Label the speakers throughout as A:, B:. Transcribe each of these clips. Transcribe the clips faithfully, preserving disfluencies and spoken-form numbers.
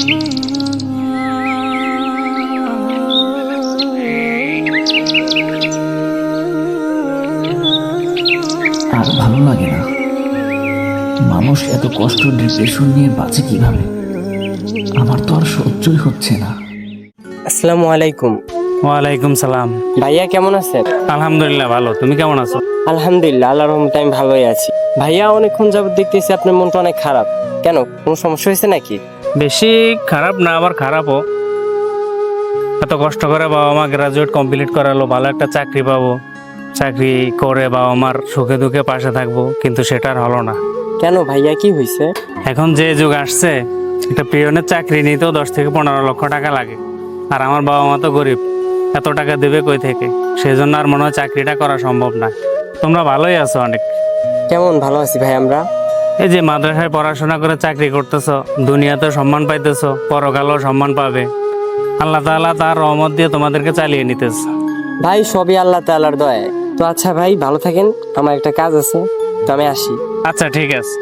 A: আর ভালো লাগে না। মানুষ এত কষ্ট ডিপ্রেশন নিয়ে বাঁচে কিভাবে? আমার তো আর সহ্যই হচ্ছে না।
B: আসসালামু আলাইকুম।
C: ওয়ালাইকুম সালাম।
B: ভাইয়া কেমন আছেন?
C: আলহামদুলিল্লাহ ভালো, তুমি কেমন আছো?
B: আলহামদুলিল্লাহ, আল্লাহর রহমতে আমি ভালোই আছি। ভাইয়া অনেকক্ষণ যাবত দেখতেছি আপনার মনটা অনেক খারাপ, কেন কোনো সমস্যা হয়েছে নাকি?
C: বেশি খারাপ না, আবার খারাপও। এত কষ্ট করে বাবা মা গ্রাজুয়েট কমপ্লিট করালো, ভালো একটা চাকরি পাবো, চাকরি করে বাবা মার সুখে দুঃখে পাশে থাকবো, কিন্তু সেটা আর হলো না।
B: কেন ভাইয়া, কি হয়েছে?
C: এখন যে যুগ আসছে, একটা পিয়নের চাকরি নিতেও দশ থেকে পনেরো লক্ষ টাকা লাগে, আর আমার বাবা মা তো গরিব, এত টাকা দেবে কই থেকে? সেই জন্য আর মনে হয় চাকরিটা করা সম্ভব না। তোমরা ভালোই আছো অনেক।
B: কেমন ভালো আছি ভাই আমরা।
C: এই যে মাদ্রাসায় পড়াশোনা করে চাকরি করতেছো, দুনিয়াতে সম্মান পাইতেছো, পরকালেও সম্মান পাবে। আল্লাহ তাআলা তার রহমত দিয়ে তোমাদেরকে চালিয়ে নিতেছে।
B: ভাই সবই আল্লাহ তাআলার দয়ায়। তো আচ্ছা ভাই, ভালো থাকেন, আমার একটা কাজ আছে, তো আমি আসি।
C: আচ্ছা ঠিক আছে।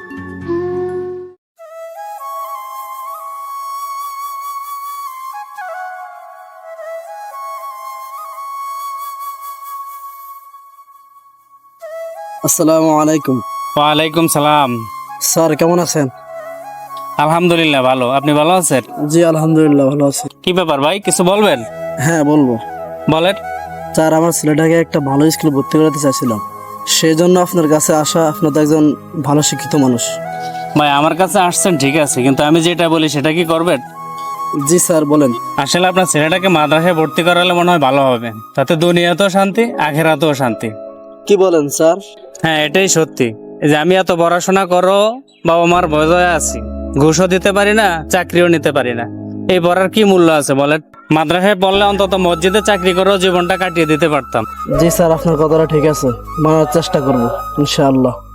D: আসসালামু আলাইকুম।
C: ওয়ালাইকুম সালাম।
D: স্যার কেমন আছেন?
C: আলহামদুলিল্লাহ ভালো, আপনি ভালো আছেন?
D: জি আলহামদুলিল্লাহ ভালো আছি।
C: কি ব্যাপার ভাই, কিছু বলবেন?
D: হ্যাঁ বলবো।
C: বলেন।
D: স্যার আমার ছেলেটাকে একটা ভালো স্কুলে ভর্তি করাতে চাইছিলাম, সেই জন্য আপনার কাছে আসা। আপনার তো একজন ভালো শিক্ষিত মানুষ।
C: ভাই আমার কাছে আসছেন ঠিক আছে, কিন্তু আমি যেটা বলি সেটা কি করবেন?
D: জি স্যার বলেন।
C: আসলে আপনার ছেলেটাকে মাদ্রাসায় ভর্তি করালে মনে হয় ভালো হবে, তাতে দুনিয়াতেও শান্তি, আখেরাতেও শান্তি।
D: কি বলেন স্যার?
C: হ্যাঁ এটাই সত্যি। এই যে আমি এত পড়াশোনা করো, বাবা মার ভয়ে আছি, ঘুষও দিতে পারি না, চাকরিও নিতে পারি না, এই পড়ার কি মূল্য আছে বলেন? মাদ্রাসায় পড়লে অন্তত মসজিদে চাকরি করেও জীবনটা কাটিয়ে দিতে পারতাম।
D: জি স্যার আপনার কথাটা ঠিক আছে, মানার চেষ্টা করবো ইনশাআল্লাহ।